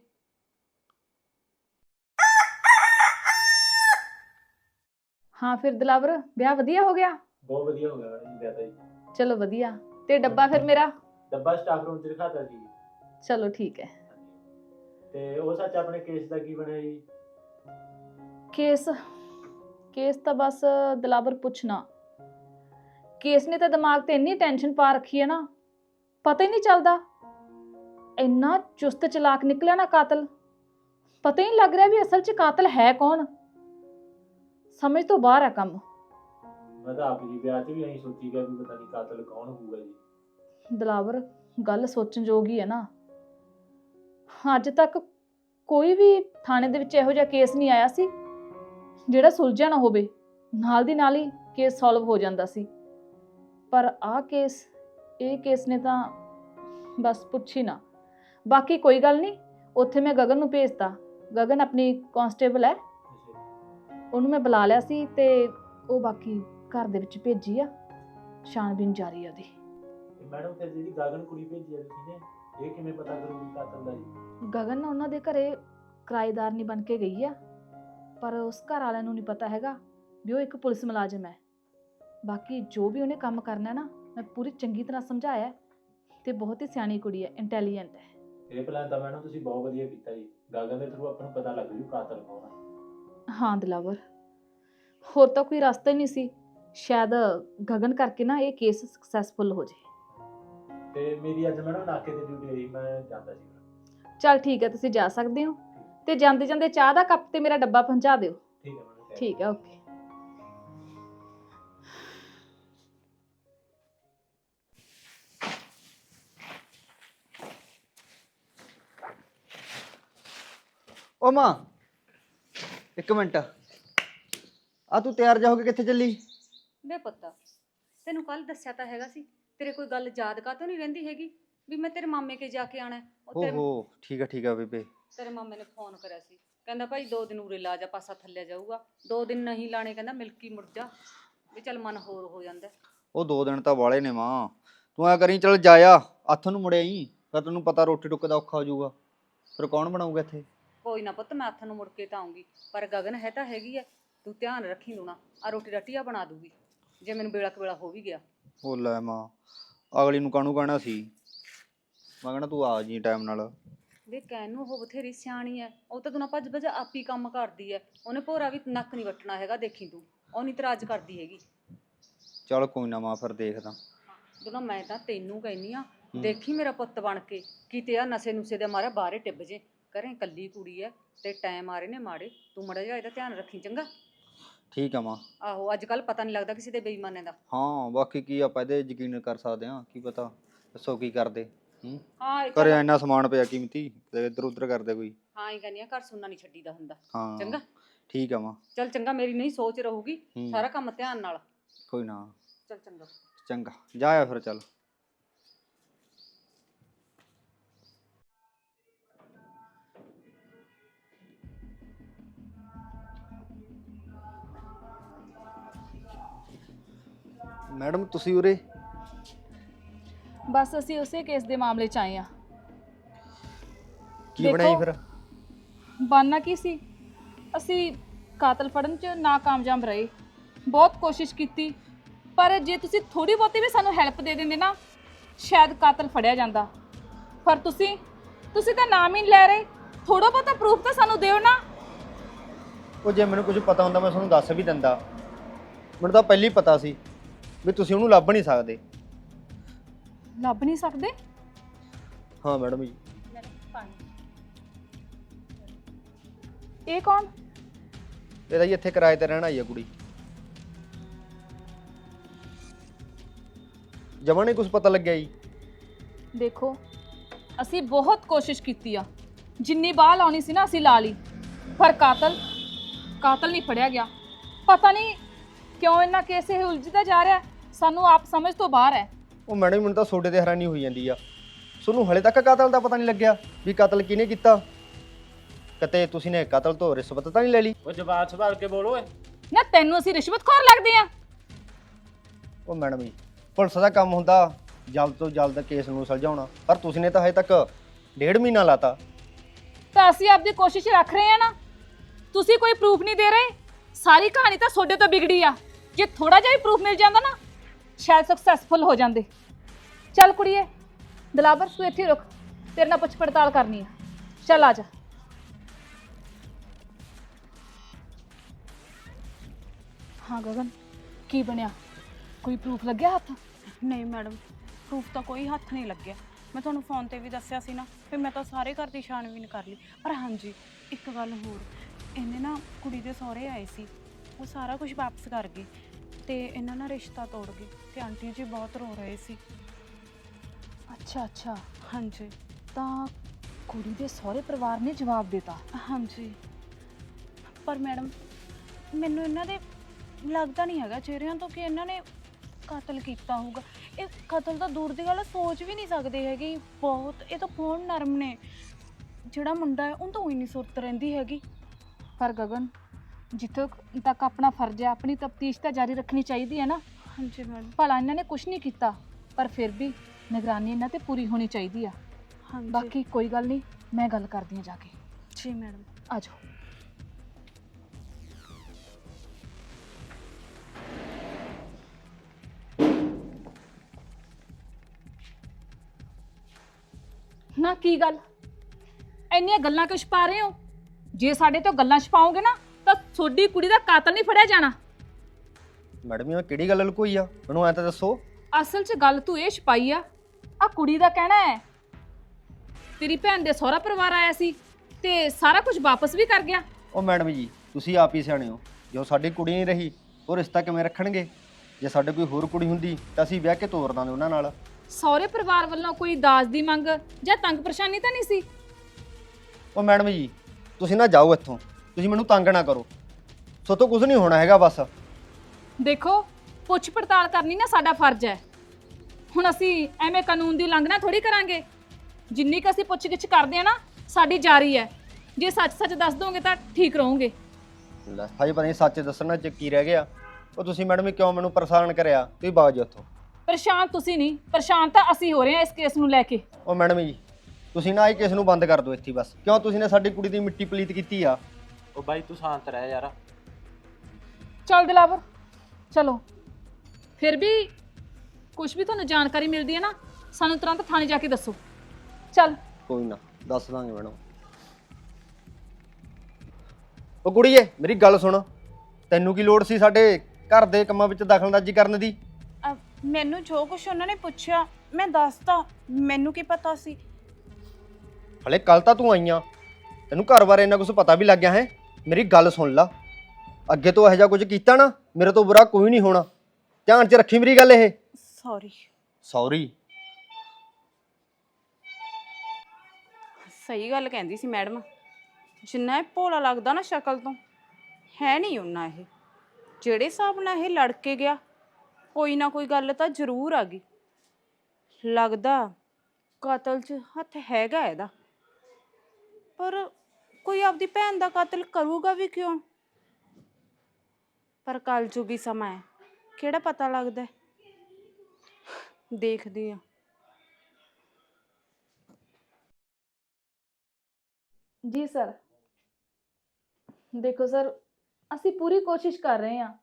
E: ਹਾਂ ਫਿਰ ਦਿਲਾਵਰ, ਵਿਆਹ ਵਧੀਆ ਹੋ ਗਿਆ?
F: ਬਹੁਤ ਵਧੀਆ ਹੋ ਗਿਆ ਮੈਡਮ ਵਿਆਹ ਤਾਂ ਜੀ।
E: ਚਲੋ ਵਧੀਆ। ਤੇ ਡੱਬਾ ਫਿਰ ਮੇਰਾ?
F: ਡੱਬਾ ਸਟਾਫ ਰੂਮ 'ਚ ਰਖਾਤਾ ਜੀ।
E: ਚਲੋ ਠੀਕ ਹੈ।
F: ਤੇ ਉਹ ਸੱਚ ਆਪਣੇ ਕੇਸ ਦਾ ਕੀ ਬਣਿਆ ਜੀ?
E: ਕੇਸ ਕੇਸ ਤਾਂ ਬਸ ਦਿਲਾਵਰ ਪੁੱਛਣਾ। ਕੇਸ ਨੇ ਤਾਂ ਦਿਮਾਗ ਤੇ ਇੰਨੀ ਟੈਨਸ਼ਨ ਪਾ ਰੱਖੀ ਹੈ ਨਾ, ਪਤਾ ਹੀ ਨਹੀਂ ਚੱਲਦਾ। ਇੰਨਾ ਚੁਸਤ ਚਲਾਕ ਨਿਕਲਿਆ ਨਾ ਕਾਤਲ, ਪਤਾ ਹੀ ਨਹੀਂ ਲੱਗ ਰਿਹਾ ਵੀ ਅਸਲ 'ਚ ਕਾਤਲ ਹੈ ਕੌਣ। ਸਮਝ ਤੋਂ ਬਾਹਰ ਹੈ ਕੰਮ।
F: ਮੈਂ ਤਾਂ ਆਪ ਜੀ ਵਿਆਹ 'ਚ ਵੀ ਐਂ ਸੋਚੀ ਗਿਆ ਵੀ ਪਤਾ ਨਹੀਂ ਕਾਤਲ ਕੌਣ ਹੋਊਗਾ ਜੀ।
E: ਦਿਲਾਵਰ ਗੱਲ ਸੋਚਣ ਯੋਗ ਹੀ ਹੈ ਨਾ। ਅੱਜ ਤੱਕ ਕੋਈ ਵੀ ਥਾਣੇ ਦੇ ਵਿੱਚ ਇਹੋ ਜਿਹਾ ਕੇਸ ਨਹੀਂ ਆਇਆ ਸੀ ਜਿਹੜਾ ਸੁਲਝਿਆ ਨਾ ਹੋਵੇ, ਨਾਲ ਦੀ ਨਾਲ ਹੀ ਕੇਸ ਸੋਲਵ ਹੋ ਜਾਂਦਾ ਸੀ। ਪਰ ਆਹ ਕੇਸ ਇਹ ਕੇਸ ਨੇ ਤਾਂ ਬਸ ਪੁੱਛ ਹੀ ਨਾ। ਬਾਕੀ ਕੋਈ ਗੱਲ ਨਹੀਂ, ਉੱਥੇ ਮੈਂ ਗਗਨ ਨੂੰ ਭੇਜਤਾ। ਗਗਨ ਆਪਣੀ ਕਾਂਸਟੇਬਲ ਹੈ, ਉਹਨੂੰ ਮੈਂ ਬੁਲਾ ਲਿਆ ਸੀ ਤੇ ਉਹ ਬਾਕੀ ਘਰ ਦੇ ਵਿੱਚ ਭੇਜੀ ਆ, ਛਾਣਬੀਨ ਜਾਰੀ ਆ ਉਹਦੀ।
F: ਮੈਡਮ ਫਿਰ ਜਿਹੜੀ ਗਗਨ ਕੁੜੀ ਭੇਜੀ ਆ ਤੁਸੀਂ ਨੇ, ਇਹ ਕਿਵੇਂ ਪਤਾ ਕਰੂਗੀ ਕਾਤਲ ਦਾ ਜੀ?
E: ਗਗਨ ਨਾ ਉਹਨਾਂ ਦੇ ਘਰੇ ਕਿਰਾਏਦਾਰ ਨਹੀਂ ਬਣ ਕੇ ਗਈ ਆ, ਪਰ ਉਸ ਘਰ ਵਾਲਿਆਂ ਨੂੰ ਨਹੀਂ ਪਤਾ ਹੈਗਾ ਵੀ ਉਹ ਇੱਕ ਪੁਲਿਸ ਮੁਲਾਜ਼ਮ ਹੈ। ਬਾਕੀ ਜੋ ਵੀ ਉਹਨੇ ਕੰਮ ਕਰਨਾ ਹੈ ਨਾ, ਮੈਂ ਪੂਰੀ ਚੰਗੀ ਤਰ੍ਹਾਂ ਸਮਝਾਇਆ ਤੇ ਬਹੁਤ ਹੀ ਸਿਆਣੀ ਕੁੜੀ ਹੈ, ਇੰਟੈਲੀਜੈਂਟ ਹੈ।
F: ਇਹ ਪਲਾਨ ਤਾਂ ਮੈਡਮ ਤੁਸੀਂ ਬਹੁਤ ਵਧੀਆ ਕੀਤਾ ਜੀ। ਗਗਨ ਦੇ ਥਰੂ ਆਪਾਂ ਨੂੰ ਪਤਾ ਲੱਗ ਜੂ ਕਾਤਲ ਕੌਣ ਆ।
E: ਹਾਂ ਦਿਲਾਵਰ, ਹੋਰ ਤਾਂ ਕੋਈ ਰਸਤਾ ਹੀ ਨਹੀਂ ਸੀ। ਸ਼ਾਇਦ ਗਗਨ ਕਰਕੇ ਨਾ ਇਹ ਕੇਸ ਸਕਸੈਸਫੁਲ ਹੋ ਜੇ।
F: ਤੇ ਮੇਰੀ ਅੱਜ ਮੈਡਮ ਨਾਕੇ ਤੇ ਡਿਊਟੀ ਹੋਈ, ਮੈਂ ਜਾਂਦਾ ਸੀ।
E: ਚਲ ਠੀਕ ਹੈ, ਤੁਸੀਂ ਜਾ ਸਕਦੇ ਹੋ। ਤੇ ਜਾਂਦੇ ਜਾਂਦੇ ਚਾਹ ਦਾ ਕੱਪ ਤੇ ਮੇਰਾ ਡੱਬਾ ਪਹੁੰਚਾ ਦਿਓ।
F: ਠੀਕ ਹੈ ਮੈਡਮ।
E: ਠੀਕ ਹੈ, ਓਕੇ।
B: ਓ ਮਾਂ, ਇੱਕ ਮਿੰਟ, ਆ ਤੂੰ ਤਿਆਰ ਜਾ ਹੋ ਕੇ ਕਿੱਥੇ ਚੱਲੀ?
C: ਵੇ ਪੁੱਤ, ਤੈਨੂੰ ਕੱਲ ਦੱਸਿਆ ਤਾਂ ਹੈਗਾ ਸੀ, ਤੇਰੇ ਕੋਈ ਗੱਲ ਯਾਦ ਕਾਹਤੋਂ ਨਹੀਂ ਰਹਿੰਦੀ ਹੈਗੀ ਵੀ ਮੈਂ ਤੇਰੇ ਮਾਮੇ ਕੇ ਜਾ ਕੇ ਆਣਾ। ਉਹ ਤੇਰੇ
B: ਓਹੋ, ਠੀਕ ਆ ਠੀਕ ਆ ਬੇਬੇ।
C: ਤੇਰੇ ਮਾਮੇ ਨੇ ਫੋਨ ਕਰਿਆ ਸੀ, ਕਹਿੰਦਾ ਭਾਈ ਦੋ ਦਿਨ ਉਰੇ ਲਾ ਜਾ, ਪਾਸਾ ਥੱਲੇ ਜਾਊਗਾ। ਦੋ ਦਿਨ ਨਹੀਂ ਲਾਣੇ, ਕਹਿੰਦਾ ਮਿਲਕੀ ਮੁੜ ਜਾ, ਵੀ ਚੱਲ ਮਨ ਹੋਰ ਹੋ ਜਾਂਦਾ।
B: ਉਹ ਦੋ ਦਿਨ ਤਾਂ ਵਾਲੇ ਨੇ ਮਾਂ, ਤੂੰ ਐ ਕਰੀ ਚੱਲ ਜਾਇਆ, ਹੱਥ ਨੂੰ ਮੁੜਿਆ ਹੀ, ਫਿਰ ਤੈਨੂੰ ਪਤਾ ਰੋਟੀ ਟੁੱਕ ਦਾ ਔਖਾ ਹੋ ਜਾਊਗਾ, ਫਿਰ ਕੌਣ ਬਣਾਊਗਾ ਇੱਥੇ?
C: ਕੋਈ ਨਾ ਪੁੱਤ, ਮੈਂ ਹੱਥ ਨੂੰ ਮੁੜ ਕੇ ਤਾਂ ਆਉਂਗੀ, ਪਰ ਗਗਨ ਹੈ ਤਾਂ ਹੈਗੀ ਐ, ਤੂੰ ਧਿਆਨ ਰੱਖੀ ਲੂਣਾ। ਆ ਰੋਟੀ ਰੱਟੀਆ ਬਣਾ ਦੂਗੀ ਜੇ ਮੈਨੂੰ ਵੇਲਾ ਕਵੇਲਾ ਹੋ ਵੀ ਗਿਆ।
B: ਉਹ ਲੈ ਮਾਂ, ਅਗਲੀ ਨੂੰ ਕਾਹਨੂੰ ਕਹਿਣਾ ਸੀ, ਮੈਂ ਕਹਿਣਾ ਤੂੰ ਆ ਜੀ ਟਾਈਮ ਨਾਲ।
C: ਵੇ ਕਹਿਣ ਨੂੰ ਉਹ ਬਥੇਰੀ ਸਿਆਣੀ ਐ, ਉਹ ਤਾਂ ਤੂੰ ਨਾ ਭੱਜ ਭੱਜ ਆਪ ਹੀ ਕੰਮ ਕਰਦੀ ਐ। ਉਹਨੇ ਭੋਰਾ ਵੀ ਨੱਕ ਨਹੀਂ ਵੱਟਣਾ ਹੈਗਾ, ਦੇਖੀ ਤੂੰ, ਉਹ ਨਹੀਂ ਤਰਾਜ ਕਰਦੀ ਹੈਗੀ।
B: ਚੱਲ ਕੋਈ ਨਾ ਮਾਂ, ਫਿਰ ਦੇਖਦਾ।
C: ਜਦੋਂ ਮੈਂ ਤਾਂ ਤੈਨੂੰ ਕਹਿੰਨੀ ਆ, ਦੇਖੀ ਮੇਰਾ ਪੁੱਤ ਬਣ ਕੇ, ਕਿਤੇ ਆ ਨਸ਼ੇ ਨੁਸੇ ਦੇ ਮਾਰੇ ਬਾਹਰੇ ਟਿੱਬ ਜੇ। ਘਰੇ ਕੱਲੀ ਕੁੜੀ ਐ ਤੇ ਟਾਈਮ ਆ ਰਹੇ ਨੇ ਮਾੜੇ, ਤੂੰ ਮੜਾ ਜਾ ਇਹਦਾ ਧਿਆਨ ਰੱਖੀ ਚੰਗਾ।
B: ਠੀਕ ਆ ਮਾਂ।
C: ਆਹੋ, ਅੱਜ ਕੱਲ ਪਤਾ ਨਹੀਂ ਲੱਗਦਾ ਕਿਸੇ ਦੇ ਬੇਈਮਾਨੇ ਦਾ।
B: ਹਾਂ, ਬਾਕੀ ਕੀ ਆਪਾਂ ਇਹਦੇ ਯਕੀਨ ਕਰ ਸਕਦੇ ਹਾਂ, ਕੀ ਪਤਾ ਦੱਸੋ ਕੀ ਕਰਦੇ। ਹੂੰ,
C: ਹਾਂ
B: ਘਰੇ ਇੰਨਾ ਸਮਾਨ ਪਿਆ ਕੀਮਤੀ, ਇੱਧਰ ਉੱਧਰ ਕਰਦੇ ਕੋਈ।
C: ਹਾਂ ਹੀ ਕਹਿੰਦੀ ਆ, ਘਰ ਸੁਣਨਾ ਨਹੀਂ ਛੱਡੀਦਾ ਹੁੰਦਾ।
B: ਹਾਂ
C: ਚੰਗਾ,
B: ਠੀਕ ਆ ਮਾਂ।
C: ਚੱਲ ਚੰਗਾ, ਮੇਰੀ ਨਹੀਂ ਸੋਚ ਰਹੂਗੀ,
B: ਹੂੰ।
C: ਸਾਰਾ ਕੰਮ ਧਿਆਨ ਨਾਲ।
B: ਕੋਈ ਨਾ,
C: ਚੱਲ ਚੰਗਾ।
B: ਚੰਗਾ ਜਾਇਆ ਫਿਰ। ਚੱਲ ਮੈਡਮ, ਤੁਸੀਂ ਉਰੇ?
E: ਬਸ ਅਸੀਂ ਉਸੇ ਕੇਸ ਦੇ ਮਾਮਲੇ 'ਚ ਆਏ ਆ।
B: ਕੀ ਬਣਾਈ ਫਿਰ?
E: ਬਣਨਾ ਕੀ ਸੀ, ਅਸੀਂ ਕਾਤਲ ਫੜਨ 'ਚ ਨਾਕਾਮਯਾਬ ਰਹੇ। ਬਹੁਤ ਕੋਸ਼ਿਸ਼ ਕੀਤੀ, ਪਰ ਜੇ ਤੁਸੀਂ ਥੋੜੀ ਬਹੁਤੀ ਵੀ ਸਾਨੂੰ ਹੈਲਪ ਦੇ ਦਿੰਦੇ ਨਾ, ਸ਼ਾਇਦ ਕਾਤਲ ਫੜਿਆ ਜਾਂਦਾ। ਪਰ ਤੁਸੀਂ ਤੁਸੀਂ ਤਾਂ ਨਾਮ ਹੀ ਨਹੀਂ ਲੈ ਰਹੇ। ਥੋੜਾ ਬਹੁਤਾ ਪ੍ਰੂਫ ਤਾਂ ਸਾਨੂੰ ਦਿਓ ਨਾ।
B: ਉਹ ਜੇ ਮੈਨੂੰ ਕੁਝ ਪਤਾ ਹੁੰਦਾ ਮੈਂ ਤੁਹਾਨੂੰ ਦੱਸ ਵੀ ਦਿੰਦਾ। ਮੈਨੂੰ ਤਾਂ ਪਹਿਲਾਂ ਹੀ ਪਤਾ ਸੀ ਵੀ ਤੁਸੀਂ ਉਹਨੂੰ ਲੱਭ ਨਹੀਂ ਸਕਦੇ।
E: ਲੱਭ ਨਹੀਂ ਸਕਦੇ?
B: ਹਾਂ ਮੈਡਮ ਜੀ।
E: ਇਹ ਕੌਣ?
B: ਇਹਦਾ ਜੀ ਇੱਥੇ ਕਿਰਾਏ ਤੇ ਰਹਿਣ ਆਈ ਆ ਕੁੜੀ। ਜਮਾਂ ਨਹੀਂ ਕੁਝ ਪਤਾ ਲੱਗਿਆ ਜੀ।
E: ਦੇਖੋ, ਅਸੀਂ ਬਹੁਤ ਕੋਸ਼ਿਸ਼ ਕੀਤੀ ਆ, ਜਿੰਨੀ ਬਾਹ ਲਾਉਣੀ ਸੀ ਨਾ ਅਸੀਂ ਲਾ ਲਈ, ਪਰ ਕਾਤਲ ਕਾਤਲ ਨਹੀਂ ਫੜਿਆ ਗਿਆ। ਪਤਾ ਨਹੀਂ ਕਿਉਂ ਇੰਨਾ ਕੇਸ ਇਹ ਉਲਝਦਾ ਜਾ ਰਿਹਾ, ਸਾਨੂੰ ਆਪ ਸਮਝ ਤੋਂ ਬਾਹਰ ਹੈ।
B: ਉਹ ਮੈਡਮ, ਮੈਨੂੰ ਤਾਂ ਤੁਹਾਡੇ ਤੇ ਹੈਰਾਨੀ ਹੋਈ ਜਾਂਦੀ ਆ, ਤੁਹਾਨੂੰ ਹਲੇ ਤੱਕ ਕਾਤਲ ਦਾ ਪਤਾ ਨਹੀਂ ਲੱਗਿਆ ਵੀ ਕਾਤਲ ਕਿਹਨੇ ਕੀਤਾ। ਕਿਤੇ ਤੁਸੀਂ ਨੇ ਕਾਤਲ ਤੋਂ ਰਿਸ਼ਵਤ ਤਾਂ ਨਹੀਂ ਲੈ ਲਈ?
F: ਉਹ ਜਵਾਬ ਸੰਭਾਲ ਕੇ ਬੋਲੋ ਏ।
E: ਨਾ ਤੈਨੂੰ ਅਸੀਂ ਰਿਸ਼ਵਤਖੋਰ ਲੱਗਦੇ ਆ?
B: ਉਹ ਮੈਡਮ ਜੀ, ਪੁਲਿਸ ਦਾ ਕੰਮ ਹੁੰਦਾ ਜਲਦ ਤੋਂ ਜਲਦ ਕੇਸ ਨੂੰ ਸੁਲਝਾਉਣਾ, ਪਰ ਤੁਸੀਂ ਨੇ ਤਾਂ ਹਜੇ ਤੱਕ ਡੇਢ ਮਹੀਨਾ ਲਾਤਾ।
E: ਤਾਂ ਅਸੀਂ ਆਪਦੀ ਕੋਸ਼ਿਸ਼ ਰੱਖ ਰਹੇ ਆ ਨਾ, ਤੁਸੀਂ ਕੋਈ ਪ੍ਰੂਫ ਨਹੀਂ ਦੇ ਰਹੇ। ਸਾਰੀ ਕਹਾਣੀ ਤਾਂ ਤੁਹਾਡੇ ਤੋਂ ਵਿਗੜੀ ਆ। ਜੇ ਥੋੜਾ ਜਿਹਾ ਵੀ ਪ੍ਰੂਫ ਮਿਲ ਜਾਂਦਾ ਨਾ, ਸ਼ਾਇਦ ਸਕਸੈਸਫੁਲ ਹੋ ਜਾਂਦੇ। ਚੱਲ ਕੁੜੀਏ, ਦਿਲਾਵਰ ਤੂੰ ਇੱਥੇ ਰੁਕ, ਤੇਰੇ ਨਾਲ ਪੁੱਛ ਪੜਤਾਲ ਕਰਨੀ ਆ। ਚੱਲ ਆ ਜਾ। ਹਾਂ ਗਗਨ, ਕੀ ਬਣਿਆ? ਕੋਈ ਪ੍ਰੂਫ ਲੱਗਿਆ ਹੱਥ?
D: ਨਹੀਂ ਮੈਡਮ, ਪ੍ਰੂਫ ਤਾਂ ਕੋਈ ਹੱਥ ਨਹੀਂ ਲੱਗਿਆ। ਮੈਂ ਤੁਹਾਨੂੰ ਫੋਨ ਤੇ ਵੀ ਦੱਸਿਆ ਸੀ ਨਾ, ਫਿਰ ਮੈਂ ਤਾਂ ਸਾਰੇ ਘਰ ਦੀ ਛਾਣਬੀਨ ਕਰ ਲਈ। ਪਰ ਹਾਂਜੀ, ਇੱਕ ਗੱਲ ਹੋਰ, ਇਹਨੇ ਨਾ ਕੁੜੀ ਦੇ ਸਹੁਰੇ ਆਏ ਸੀ, ਉਹ ਸਾਰਾ ਕੁਝ ਵਾਪਸ ਕਰ ਗਏ ਤੇ ਇਹਨਾਂ ਨਾਲ ਰਿਸ਼ਤਾ ਤੋੜ ਗਏ ਤੇ ਆਂਟੀ ਜੀ ਬਹੁਤ ਰੋ ਰਹੇ ਸੀ।
E: ਅੱਛਾ ਅੱਛਾ,
D: ਹਾਂਜੀ
E: ਤਾਂ ਕੁੜੀ ਦੇ ਸਹੁਰੇ ਪਰਿਵਾਰ ਨੇ ਜਵਾਬ ਦਿੱਤਾ?
D: ਹਾਂਜੀ, ਪਰ ਮੈਡਮ ਮੈਨੂੰ ਇਹਨਾਂ ਦੇ ਲੱਗਦਾ ਨਹੀਂ ਹੈਗਾ ਚਿਹਰਿਆਂ ਤੋਂ ਕਿ ਇਹਨਾਂ ਨੇ ਕਤਲ ਕੀਤਾ ਹੋਊਗਾ। ਇਹ ਕਤਲ ਤਾਂ ਦੂਰ ਦੀ ਗੱਲ ਹੈ, ਸੋਚ ਵੀ ਨਹੀਂ ਸਕਦੇ ਹੈਗੇ। ਬਹੁਤ ਇਹ ਤਾਂ ਬਹੁਤ ਨਰਮ ਨੇ। ਜਿਹੜਾ ਮੁੰਡਾ ਹੈ ਉਹਨੂੰ ਤਾਂ ਉਹੀ ਨਹੀਂ ਸੁਰਤ ਰਹਿੰਦੀ ਹੈਗੀ।
E: ਪਰ ਗਗਨ, ਜਿੱਥੋਂ ਤੱਕ ਆਪਣਾ ਫਰਜ਼ ਹੈ, ਆਪਣੀ ਤਫਤੀਸ਼ ਤਾਂ ਜਾਰੀ ਰੱਖਣੀ ਚਾਹੀਦੀ ਹੈ ਨਾ।
D: ਹਾਂਜੀ ਮੈਡਮ।
E: ਭਲਾ ਇਹਨਾਂ ਨੇ ਕੁਝ ਨਹੀਂ ਕੀਤਾ, ਪਰ ਫਿਰ ਵੀ ਨਿਗਰਾਨੀ ਇਹਨਾਂ ਤੇ ਪੂਰੀ ਹੋਣੀ ਚਾਹੀਦੀ ਆ।
D: ਹਾਂਜੀ
E: ਬਾਕੀ ਕੋਈ ਗੱਲ ਨਹੀਂ, ਮੈਂ ਗੱਲ ਕਰਦੀ ਹਾਂ ਜਾ ਕੇ।
D: ਜੀ ਮੈਡਮ।
E: ਆ ਜਾਓ। ਨਾ ਕੀ ਗੱਲ, ਇੰਨੀਆਂ ਗੱਲਾਂ ਕਿਉਂ ਛਪਾ ਰਹੇ ਹੋ? ਜੇ ਸਾਡੇ ਤੋਂ ਗੱਲਾਂ ਛਪਾਓਗੇ ਨਾ ਤਾਂ ਤੁਹਾਡੀ ਕੁੜੀ ਦਾ ਕਾਤਲ ਨਹੀਂ ਫੜਿਆ ਜਾਣਾ।
B: ਮੈਡਮ ਇਹ ਕਿਹੜੀ ਗੱਲ ਲੁਕੋਈ ਆ, ਮੈਨੂੰ ਐ ਤਾਂ ਦੱਸੋ।
E: ਅਸਲ 'ਚ ਗੱਲ ਤੂੰ ਇਹ ਛਪਾਈ ਆ, ਆ ਕੁੜੀ ਦਾ ਕਹਿਣਾ ਹੈ ਤੇਰੀ ਭੈਣ ਦੇ ਸਹੁਰਾ ਪਰਿਵਾਰ ਆਇਆ ਸੀ ਤੇ ਸਾਰਾ ਕੁਝ ਵਾਪਸ ਵੀ ਕਰ ਗਿਆ।
B: ਉਹ ਮੈਡਮ ਜੀ, ਤੁਸੀਂ ਆਪ ਹੀ ਸਿਆਣੇ ਹੋ। ਜੋ ਸਾਡੀ ਕੁੜੀ ਨਹੀਂ ਰਹੀ, ਉਹ ਰਿਸ਼ਤਾ ਕਿਵੇਂ ਰੱਖਣਗੇ? ਜੇ ਸਾਡੇ ਕੋਈ ਹੋਰ ਕੁੜੀ ਹੁੰਦੀ ਤਾਂ ਅਸੀਂ ਵਿਆਹ ਕੇ ਤੋਰ ਦਾਂਗੇ ਉਹਨਾਂ ਨਾਲ।
E: ਸਹੁਰੇ ਪਰਿਵਾਰ ਵੱਲੋਂ ਕੋਈ ਦਾਜ ਦੀ ਮੰਗ ਜਾਂ ਤੰਗ ਪਰੇਸ਼ਾਨੀ ਤਾਂ ਨਹੀਂ ਸੀ?
B: ਉਹ ਮੈਡਮ ਜੀ, ਤੁਸੀਂ ਨਾ ਜਾਓ ਇੱਥੋਂ, ਤੁਸੀਂ ਮੈਨੂੰ ਤੰਗ ਨਾ ਕਰੋ। ਸੋ ਤੋਂ ਕੁਝ ਨਹੀਂ ਹੋਣਾ ਹੈਗਾ ਬਸ।
E: ਦੇਖੋ, ਪੁੱਛ ਪੜਤਾਲ ਕਰਨੀ ਨਾ ਸਾਡਾ ਫਰਜ਼ ਹੈ। ਹੁਣ ਅਸੀਂ ਐਵੇਂ ਕਾਨੂੰਨ ਦੀ ਉਲੰਘਣਾ ਥੋੜੀ ਕਰਾਂਗੇ। ਜਿੰਨੀ ਕੁ ਅਸੀਂ ਪੁੱਛ ਗਿੱਛ ਕਰਦੇ ਆ ਨਾ, ਸਾਡੀ ਜਾਰੀ ਹੈ। ਜੇ ਸੱਚ ਸੱਚ ਦੱਸ ਦੋਗੇ ਤਾਂ ਠੀਕ ਰਹੋਗੇ।
B: ਲੈ, ਹਜੇ ਪਤਾ ਨਹੀਂ ਸੱਚ ਦੱਸਣਾ ਚ ਕੀ ਰਹਿ ਗਿਆ। ਉਹ ਤੁਸੀਂ ਮੈਡਮ ਕਿਉਂ ਮੈਨੂੰ ਪਰੇਸ਼ਾਨ ਕਰਿਆ? ਤੁਸੀਂ ਬਾਜ ਉੱਥੋਂ।
E: ਪਰੇਸ਼ਾਨ ਤੁਸੀਂ ਨਹੀਂ, ਪਰੇਸ਼ਾਨ ਤਾਂ ਅਸੀਂ ਹੋ ਰਹੇ ਹਾਂ ਇਸ ਕੇਸ ਨੂੰ ਲੈ ਕੇ।
B: ਉਹ ਮੈਡਮ ਜੀ, ਤੁਸੀਂ ਨਾ ਇਹ ਕੇਸ ਨੂੰ ਬੰਦ ਕਰ ਦਿਓ ਇੱਥੇ ਬਸ। ਕਿਉਂ ਤੁਸੀਂ ਨੇ ਸਾਡੀ ਕੁੜੀ ਦੀ ਮਿੱਟੀ ਪਲੀਤ ਕੀਤੀ ਆ?
F: ਉਹ ਬਾਈ ਤੂੰ ਸ਼ਾਂਤ ਰਹਿ ਯਾਰ।
E: ਚੱਲ ਦਿਲਾਵਰ, ਚਲੋ। ਫਿਰ ਵੀ ਕੁਝ ਵੀ ਤੁਹਾਨੂੰ ਜਾਣਕਾਰੀ ਮਿਲਦੀ ਹੈ ਨਾ, ਸਾਨੂੰ ਤੁਰੰਤ ਥਾਣੇ ਜਾ ਕੇ ਦੱਸੋ। ਚੱਲ।
B: ਕੋਈ ਨਾ, ਦੱਸ ਦਾਂਗੇ ਮੈਡਮ। ਉਹ ਕੁੜੀਏ, ਮੇਰੀ ਗੱਲ ਸੁਣ। ਤੈਨੂੰ ਕੀ ਲੋੜ ਸੀ ਸਾਡੇ ਘਰ ਦੇ ਕੰਮਾਂ ਵਿੱਚ ਦਖਲਅੰਦਾਜ਼ੀ ਕਰਨ ਦੀ?
D: ਅ, ਮੈਨੂੰ ਜੋ ਕੁਝ ਉਹਨਾਂ ਨੇ ਪੁੱਛਿਆ ਮੈਂ ਦੱਸਤਾ। ਮੈਨੂੰ ਕੀ ਪਤਾ ਸੀ?
B: ਹਲੇ ਕੱਲ ਤਾਂ ਤੂੰ ਆਈਆਂ, ਤੈਨੂੰ ਘਰ ਬਾਰੇ ਇੰਨਾ ਕੁਝ ਪਤਾ ਵੀ ਲੱਗ ਗਿਆ ਹੈ। ਮੇਰੀ ਗੱਲ ਸੁਣ ਲਾ, ਅੱਗੇ ਤੋਂ ਇਹੋ ਜਿਹਾ ਕੁਝ ਕੀਤਾ ਨਾ, ਮੇਰੇ ਤੋਂ ਬੁਰਾ ਕੋਈ ਨਹੀਂ ਹੋਣਾ। ਧਿਆਨ 'ਚ ਰੱਖੀ ਮੇਰੀ ਗੱਲ ਇਹ।
D: ਸੌਰੀ।
B: ਸੌਰੀ?
D: ਸਹੀ ਗੱਲ ਕਹਿੰਦੀ ਸੀ ਮੈਡਮ। ਜਿੰਨਾ ਇਹ ਭੋਲਾ ਲੱਗਦਾ ਨਾ ਸ਼ਕਲ ਤੋਂ, ਹੈ ਨਹੀਂ ਉਹਨਾਂ ਇਹ। ਜਿਹੜੇ ਹਿਸਾਬ ਨਾਲ ਇਹ ਲੜ ਕੇ ਗਿਆ, ਕੋਈ ਨਾ ਕੋਈ ਗੱਲ ਤਾਂ ਜ਼ਰੂਰ ਆ ਗਈ। ਲੱਗਦਾ ਕਤਲ 'ਚ ਹੱਥ ਹੈਗਾ ਇਹਦਾ। ਪਰ ਕੋਈ ਆਪਦੀ ਭੈਣ ਦਾ ਕਤਲ ਕਰੂਗਾ ਵੀ ਕਿਉਂ? ਪਰ ਕਲਯੁਗੀ ਸਮਾਂ ਹੈ, ਕਿਹੜਾ ਪਤਾ ਲੱਗਦਾ। ਦੇਖਦੀ ਆ।
E: ਜੀ ਸਰ। ਦੇਖੋ ਸਰ, ਅਸੀਂ ਪੂਰੀ ਕੋਸ਼ਿਸ਼ ਕਰ ਰਹੇ ਹਾਂ।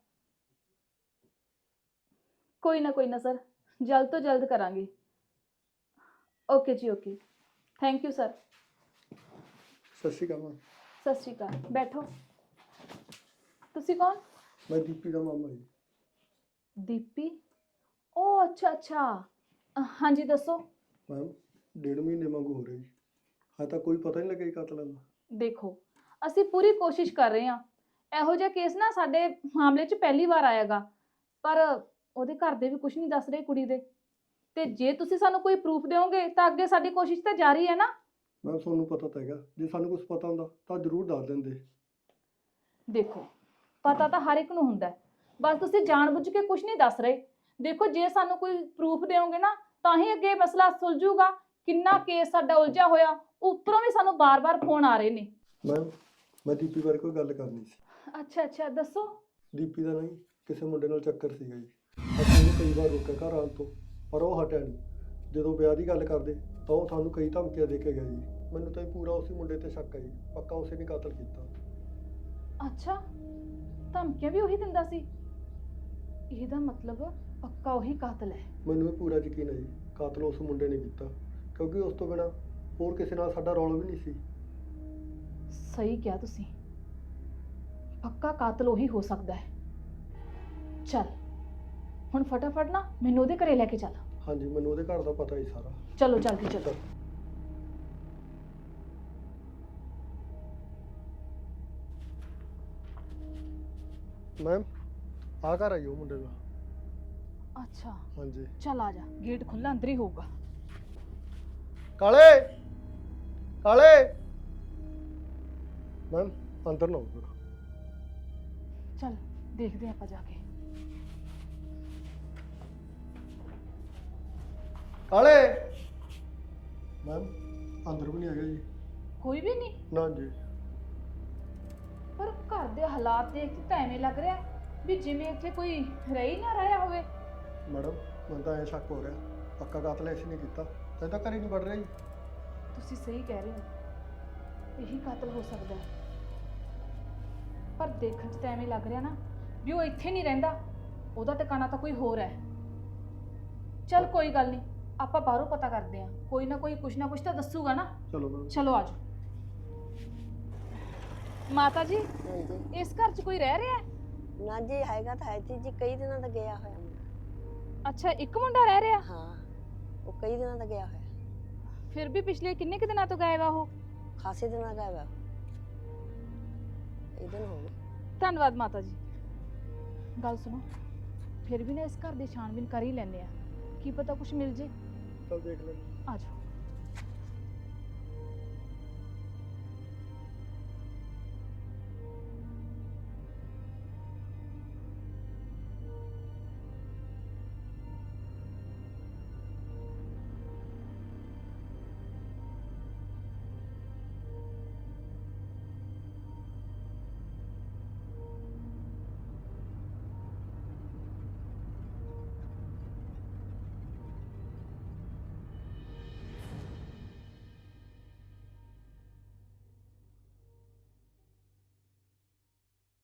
E: ਕੋਈ ਨਾ ਕੋਈ ਨਾ ਸਰ, ਜਲਦ ਤੋਂ ਜਲਦ ਕਰਾਂਗੇ। ਓਕੇ ਜੀ, ਓਕੇ। Thank you sir.
G: ਸਤਿ ਸ਼੍ਰੀ ਅਕਾਲ ਮੈਮ।
E: ਸਤਿ ਸ਼੍ਰੀ ਅਕਾਲ। ਬੈਠੋ। ਤੁਸੀਂ ਕੌਣ?
G: ਮੈਂ ਦੀਪੀ ਦਾ ਮਾਮਾ ਜੀ।
E: ਦੀਪੀ? ਉਹ ਅੱਛਾ ਅੱਛਾ, ਅ, ਹਾਂਜੀ ਦੱਸੋ।
G: ਮੈਮ ਡੇਢ ਮਹੀਨੇ ਵਾਂਗੂ ਹੋ ਰਿਹਾ ਜੀ, ਹਾਂ ਤਾਂ ਕੋਈ ਪਤਾ ਨਹੀਂ ਲੱਗਿਆ ਜੀ ਕਾਤਲਾਂ ਦਾ।
E: ਦੇਖੋ, ਅਸੀਂ ਪੂਰੀ ਕੋਸ਼ਿਸ਼ ਕਰ ਰਹੇ ਹਾਂ। ਇਹੋ ਜਿਹਾ ਕੇਸ ਨਾ ਸਾਡੇ ਮਾਮਲੇ 'ਚ ਪਹਿਲੀ ਵਾਰ ਆਏਗਾ, ਪਰ ਉਹਦੇ ਘਰ ਦੇ ਵੀ ਕੁਝ ਨਹੀਂ ਦੱਸ ਰਹੇ ਕੁੜੀ ਦੇ। ਤੇ ਜੇ ਤੁਸੀਂ ਸਾਨੂੰ ਕੋਈ ਪ੍ਰੂਫ ਦਿਓਗੇ ਤਾਂ ਅੱਗੇ ਸਾਡੀ ਕੋਸ਼ਿਸ਼ ਤਾਂ ਜਾਰੀ ਹੈ ਨਾ।
G: ਮੈਮ ਤੁਹਾਨੂੰ ਪਤਾ ਤਾਂ ਹੈਗਾ, ਜੇ ਸਾਨੂੰ ਕੁਝ ਪਤਾ ਹੁੰਦਾ ਤਾਂ ਜ਼ਰੂਰ ਦੱਸ ਦਿੰਦੇ।
E: ਦੇਖੋ, ਪਤਾ ਤਾਂ ਹਰ ਇੱਕ ਨੂੰ ਹੁੰਦਾ ਹੈ, ਬਸ ਤੁਸੀਂ ਜਾਣਬੁੱਝ ਕੇ ਕੁਝ ਨਹੀਂ ਦੱਸ ਰਹੇ। ਦੇਖੋ, ਜੇ ਸਾਨੂੰ ਕੋਈ ਪ੍ਰੂਫ ਦਿਓਗੇ ਨਾ ਤਾਂ ਹੀ ਅੱਗੇ ਮਸਲਾ ਸੁਲਝੂਗਾ। ਕਿੰਨਾ ਕੇਸ ਸਾਡਾ ਉਲਝਿਆ ਹੋਇਆ, ਉੱਪਰੋਂ ਵੀ ਸਾਨੂੰ ਬਾਰ-ਬਾਰ ਫੋਨ ਆ ਰਹੇ ਨੇ।
G: ਮੈਮ ਮੈਂ ਦੀਪੀ ਬਾਰੇ ਕੋਈ ਗੱਲ ਕਰਨੀ ਸੀ।
E: ਅੱਛਾ ਅੱਛਾ, ਦੱਸੋ।
G: ਦੀਪੀ ਦਾ ਨਹੀਂ ਕਿਸੇ ਮੁੰਡੇ ਨਾਲ ਚੱਕਰ ਸੀਗਾ ਜੀ। ਅਸੀਂ ਉਹਨੂੰ ਕਈ ਵਾਰ ਰੋਕਿਆ ਘਰ ਆਉਣ ਤੋਂ, ਪਰ ਉਹ ਹਟਿਆ ਨਹੀਂ। ਜਦੋਂ ਵਿਆਹ ਦੀ ਗੱਲ ਕਰਦੇ ਤਾਂ ਉਹ ਸਾਨੂੰ ਕਈ ਧਮਕੀਆਂ ਦੇ ਕੇ ਗਿਆ ਜੀ। ਮੈਨੂੰ ਤਾਂ ਪੂਰਾ ਉਸੇ ਮੁੰਡੇ ਤੇ ਸ਼ੱਕ ਹੈ ਜੀ, ਪੱਕਾ ਉਸੇ ਨੇ ਕਤਲ ਕੀਤਾ।
E: ਅੱਛਾ, ਧਮਕੀਆਂ ਵੀ ਉਹੀ ਦਿੰਦਾ ਸੀ? ਇਹਦਾ ਮਤਲਬ ਪੱਕਾ ਉਹੀ ਕਾਤਲ ਹੈ।
G: ਮੈਨੂੰ ਇਹ ਪੂਰਾ ਯਕੀਨ ਹੈ ਜੀ, ਕਾਤਲ ਉਸ ਮੁੰਡੇ ਨੇ ਕੀਤਾ, ਕਿਉਂਕਿ ਉਸ ਤੋਂ ਬਿਨਾਂ ਹੋਰ ਕਿਸੇ ਨਾਲ ਸਾਡਾ ਰੌਲਾ ਵੀ ਨਹੀਂ ਸੀ।
E: ਸਹੀ ਕਿਹਾ ਤੁਸੀਂ, ਪੱਕਾ ਕਾਤਲ ਉਹੀ ਹੋ ਸਕਦਾ ਹੈ। ਚੱਲ ਹੁਣ ਫਟਾਫਟ ਨਾ ਮੈਨੂੰ ਉਹਦੇ ਘਰੇ ਲੈ ਕੇ ਚੱਲ।
G: ਹਾਂਜੀ ਮੈਨੂੰ ਉਹਦੇ ਘਰ ਦਾ ਪਤਾ ਹੀ ਸਾਰਾ।
E: ਚਲੋ ਜਲਦੀ ਚਲੋ।
G: ਮੈਮ ਆ ਘਰ ਆਈ ਉਹ ਮੁੰਡੇ ਦਾ।
E: ਅੱਛਾ
G: ਹਾਂਜੀ
E: ਚੱਲ ਆ ਜਾ, ਗੇਟ ਖੁੱਲਾ ਅੰਦਰ ਹੀ ਹੋਊਗਾ।
G: ਕਾਲੇ ਕਾਲੇ ਮੈਮ ਅੰਦਰ ਨਾ ਆਓ।
E: ਚੱਲ ਦੇਖਦੇ ਹਾਂ ਆਪਾਂ ਜਾ ਕੇ।
G: ਕਾਲੇ ਮੈਮ ਅੰਦਰ ਵੀ ਨਹੀਂ ਹੈਗਾ ਜੀ।
E: ਕੋਈ ਵੀ ਨਹੀਂ,
G: ਨਾ ਜੀ।
E: ਪਰ ਘਰ ਦੇ ਹਾਲਾਤ ਦੇਖ ਕੇ ਤਾਂ ਐਵੇਂ ਲੱਗ ਰਿਹਾ ਵੀ ਜਿਵੇਂ ਇੱਥੇ ਕੋਈ ਰਹਿ ਹੀ ਨਾ ਰਿਹਾ ਹੋਵੇ।
G: ਮੈਡਮ ਮੈਨੂੰ ਤਾਂ ਐਂ ਸ਼ੱਕ ਹੋ ਰਿਹਾ ਪੱਕਾ ਕਾਤਲ ਐਸੀ ਨਹੀਂ ਕੀਤਾ। ਤੈਨੂੰ ਤਾਂ ਘਰੇ ਨਹੀਂ ਵੜ ਰਿਹਾ ਜੀ।
E: ਤੁਸੀਂ ਸਹੀ ਕਹਿ ਰਹੇ ਹੋ, ਇਹੀ ਕਾਤਲ ਹੋ ਸਕਦਾ ਹੈ। ਪਰ ਦੇਖਣ 'ਚ ਤਾਂ ਐਵੇਂ ਲੱਗ ਰਿਹਾ ਨਾ ਵੀ ਉਹ ਇੱਥੇ ਨਹੀਂ ਰਹਿੰਦਾ, ਉਹਦਾ ਟਿਕਾਣਾ ਤਾਂ ਕੋਈ ਹੋਰ ਹੈ। ਚੱਲ ਕੋਈ ਗੱਲ ਨਹੀਂ, ਆਪਾਂ ਬਾਹਰੋਂ ਪਤਾ ਕਰਦੇ ਹਾਂ, ਕੋਈ ਨਾ ਕੋਈ ਕੁਛ ਨਾ ਕੁਛ ਤਾਂ ਦੱਸੂਗਾ ਨਾ।
G: ਚਲੋ ਮੈਮ।
E: ਚਲੋ ਆਜੋ। ਮਾਤਾ ਜੀ
H: ਹਾਂਜੀ
E: ਇਸ ਘਰ 'ਚ ਕੋਈ ਰਹਿ ਰਿਹਾ ਹੈ?
H: ਨਾ ਜੀ ਹੈਗਾ ਤਾਂ ਹੈ ਜੀ ਜੀ ਕਈ ਦਿਨਾਂ ਦਾ ਗਿਆ ਹੋਇਆ ਮੁੰਡਾ।
E: ਅੱਛਾ ਇੱਕ ਮੁੰਡਾ ਰਹਿ ਰਿਹਾ?
H: ਹਾਂ ਉਹ ਕਈ ਦਿਨਾਂ ਦਾ ਗਿਆ ਹੋਇਆ,
E: ਫਿਰ ਵੀ ਪਿਛਲੇ ਕਿੰਨੇ ਕੁ ਦਿਨਾਂ ਤੋਂ ਗਾਇਬ ਆ ਉਹ?
H: ਖਾਸੇ ਦਿਨਾਂ ਦਾ ਗਿਆ ਇਹ ਦਿਨ ਹੋ ਗਏ।
E: ਧੰਨਵਾਦ ਮਾਤਾ ਜੀ। ਗੱਲ ਸੁਣੋ, ਫਿਰ ਵੀ ਨਾ ਇਸ ਘਰ ਦੀ ਛਾਣਬੀਨ ਕਰ ਹੀ ਲੈਂਦੇ ਆ, ਕੀ ਪਤਾ ਕੁਝ ਮਿਲ ਜੇ।
G: ਚਲ ਦੇਖ ਲੈ।
E: ਆਜੋ।